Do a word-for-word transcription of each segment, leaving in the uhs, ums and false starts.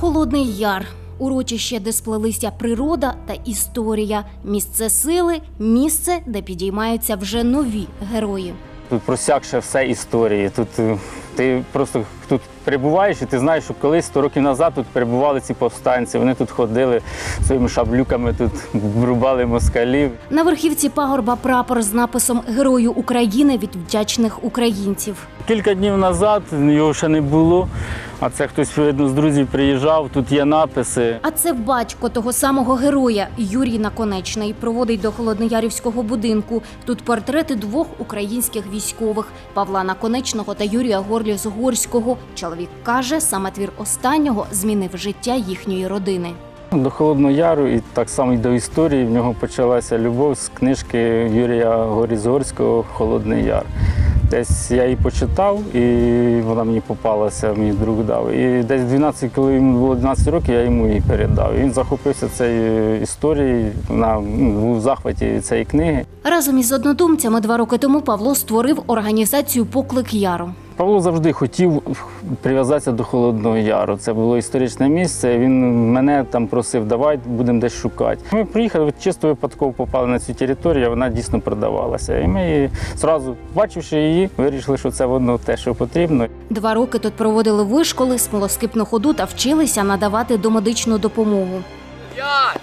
Холодний Яр – урочище, де сплелися природа та історія. Місце сили – місце, де підіймаються вже нові герої. Тут просякше все історії. Тут е, ти просто тут перебуваєш і ти знаєш, що колись сто років назад тут перебували ці повстанці. Вони тут ходили своїми шаблюками, тут рубали москалів. На верхівці пагорба прапор з написом «Герою України від вдячних українців». Кілька днів назад його ще не було, а це хтось, видно, з друзів приїжджав, тут є написи. А це батько того самого героя Юрій Наконечний проводить до холодноярівського будинку. Тут портрети двох українських військових – Павла Наконечного та Юрія Горліс-Горського. Чоловік каже, саме твір останнього змінив життя їхньої родини. До Холодного Яру і так само й до історії в нього почалася любов з книжки Юрія Горліс-Горського «Холодний Яр». Десь я її почитав, і вона мені попалася, мій друг дав. І десь дванадцять, коли йому було дванадцять років, я йому її передав. І він захопився цією історією, вона був в захваті від цієї книги. Разом із однодумцями два роки тому Павло створив організацію «Поклик Яру». Павло завжди хотів прив'язатися до Холодного Яру. Це було історичне місце. Він мене там просив, давай, будемо десь шукати. Ми приїхали, чисто випадково попали на цю територію, вона дійсно продавалася. І ми її, одразу, бачивши її, вирішили, що це воно те, що потрібно. Два роки тут проводили вишколи, смолоскипну ходу та вчилися надавати домедичну допомогу. П'ять,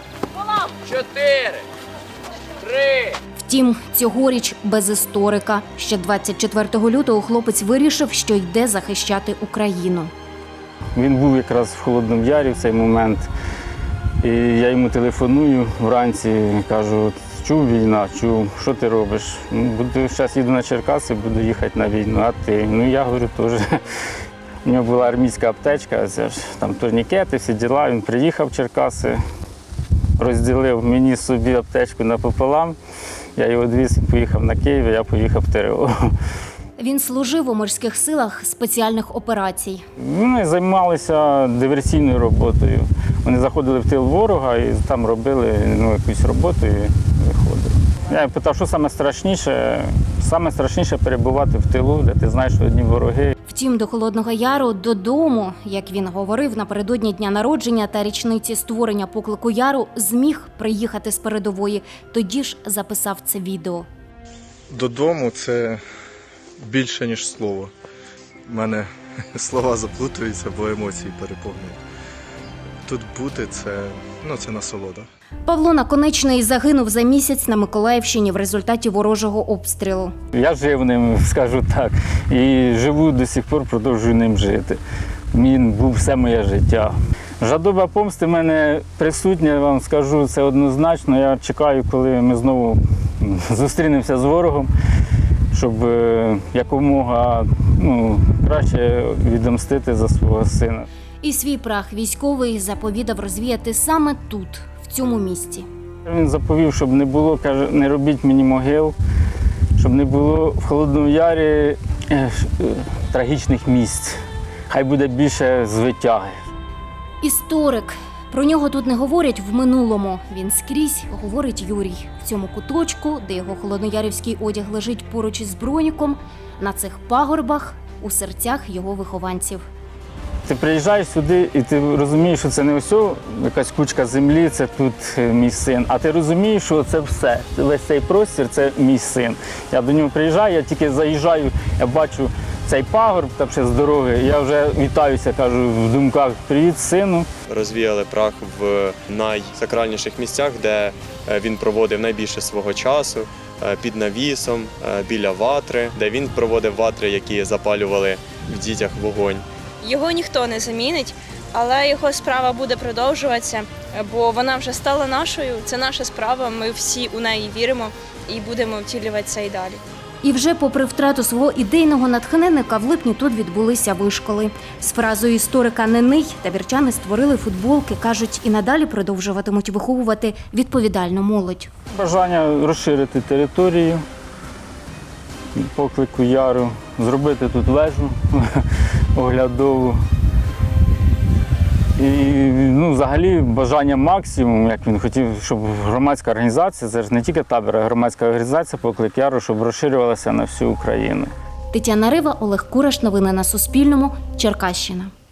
чотири, три. Втім, цьогоріч без історика. Ще двадцять четвертого лютого хлопець вирішив, що йде захищати Україну. Він був якраз в Холодному Ярі в цей момент. І я йому телефоную вранці, кажу, чув війна, чув, що ти робиш? Ну, буду, зараз їду на Черкаси, буду їхати на війну, а ти? Ну, я говорю, теж. У нього була армійська аптечка, це ж, там турнікети, всі діла. Він приїхав в Черкаси, розділив мені собі аптечку напополам. Я його відвіз, він поїхав на Київ, я поїхав в ТРО. Він служив у морських силах спеціальних операцій. Вони займалися диверсійною роботою. Вони заходили в тил ворога і там робили ну, якусь роботу і виходили. Я питав, що саме страшніше? Саме страшніше перебувати в тилу, де ти знаєш, що одні вороги. Втім, до Холодного Яру додому, як він говорив, напередодні дня народження та річниці створення «Поклику Яру» зміг приїхати з передової. Тоді ж записав це відео. Додому – це більше, ніж слово. У мене слова заплутуються, бо емоції переповнюють. Тут бути – це, ну, це насолода. Павло Наконечний загинув за місяць на Миколаївщині в результаті ворожого обстрілу. Я жив ним, скажу так, і живу до сих пор, продовжую ним жити. Він був все моє життя. Жадоба помсти в мене присутня, я вам скажу, це однозначно. Я чекаю, коли ми знову зустрінемося з ворогом, щоб якомога ну, краще відомстити за свого сина. І свій прах військовий заповідав розвіяти саме тут, в цьому місці. Він заповів, щоб не було, каже, не робіть мені могил, щоб не було в Холодному Ярі е, трагічних місць. Хай буде більше звитяги. Історик. Про нього тут не говорять в минулому. Він скрізь говорить Юрій. В цьому куточку, де його холодноярівський одяг лежить поруч із броніком, на цих пагорбах, у серцях його вихованців. Ти приїжджаєш сюди і ти розумієш, що це не ось якась кучка землі, це тут мій син. А ти розумієш, що це все, весь цей простір – це мій син. Я до нього приїжджаю, я тільки заїжджаю, я бачу цей пагорб там ще з дороги, я вже вітаюся, кажу в думках, привіт, сину. Розвіяли прах в найсакральніших місцях, де він проводив найбільше свого часу, під навісом, біля ватри, де він проводив ватри, які запалювали в дітях вогонь. Його ніхто не замінить, але його справа буде продовжуватися, бо вона вже стала нашою, це наша справа, ми всі у неї віримо і будемо втілюватися і далі. І вже попри втрату свого ідейного натхненника, в липні тут відбулися вишколи. З фразою історика «Не ний» табірчани створили футболки, кажуть, і надалі продовжуватимуть виховувати відповідальну молодь. Бажання розширити територію Поклику Яру, зробити тут вежу оглядову. І ну, взагалі бажання максимум, як він хотів, щоб громадська організація, це ж не тільки табір, а громадська організація «Поклик Яру», щоб розширювалася на всю Україну. Тетяна Рива, Олег Кураш. Новини на Суспільному. Черкащина.